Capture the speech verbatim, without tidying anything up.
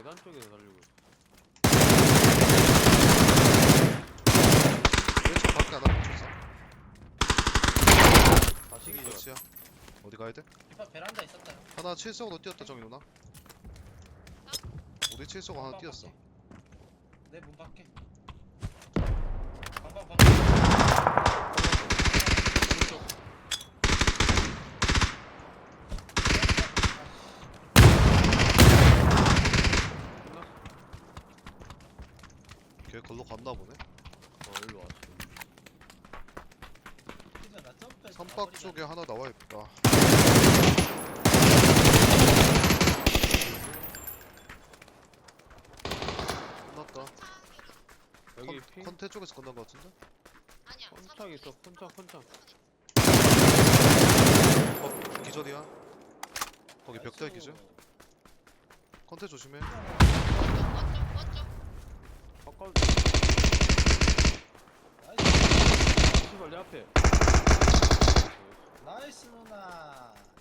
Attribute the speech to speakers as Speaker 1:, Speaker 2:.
Speaker 1: 계단 쪽에서 달리고 있어.
Speaker 2: 왼쪽 밖에 하나 붙였어.
Speaker 1: 다시
Speaker 2: 여기
Speaker 1: 기절.
Speaker 2: 끝이야. 어디 가야 돼?
Speaker 3: 이파 베란다 있었다.
Speaker 2: 하나 칠성으로 뛰었다 정이 누나. 우리 칠성 하나 뛰었어.
Speaker 3: 내 문 밖에. 방방 방방.
Speaker 2: 걔 걸로 갔나 보네.
Speaker 1: 어 일로 왔어.
Speaker 3: 진짜 나 점프해서
Speaker 2: 삼박
Speaker 3: 가버리잖아.
Speaker 2: 쪽에 하나 나와 있다. 끝났다.
Speaker 1: 여기
Speaker 2: 컨,
Speaker 1: 핑.
Speaker 2: 컨테 쪽에서 끝난 거 같은데?
Speaker 4: 아니야.
Speaker 1: 컨착 있어. 컨착 컨착.
Speaker 2: 어, 기절이야. 거기 벽대 기절. 컨테 조심해.
Speaker 4: 원쪽 원쪽.
Speaker 1: 가까운.
Speaker 3: 나이스.
Speaker 1: 시발 내 앞에.
Speaker 3: 나이스 누나.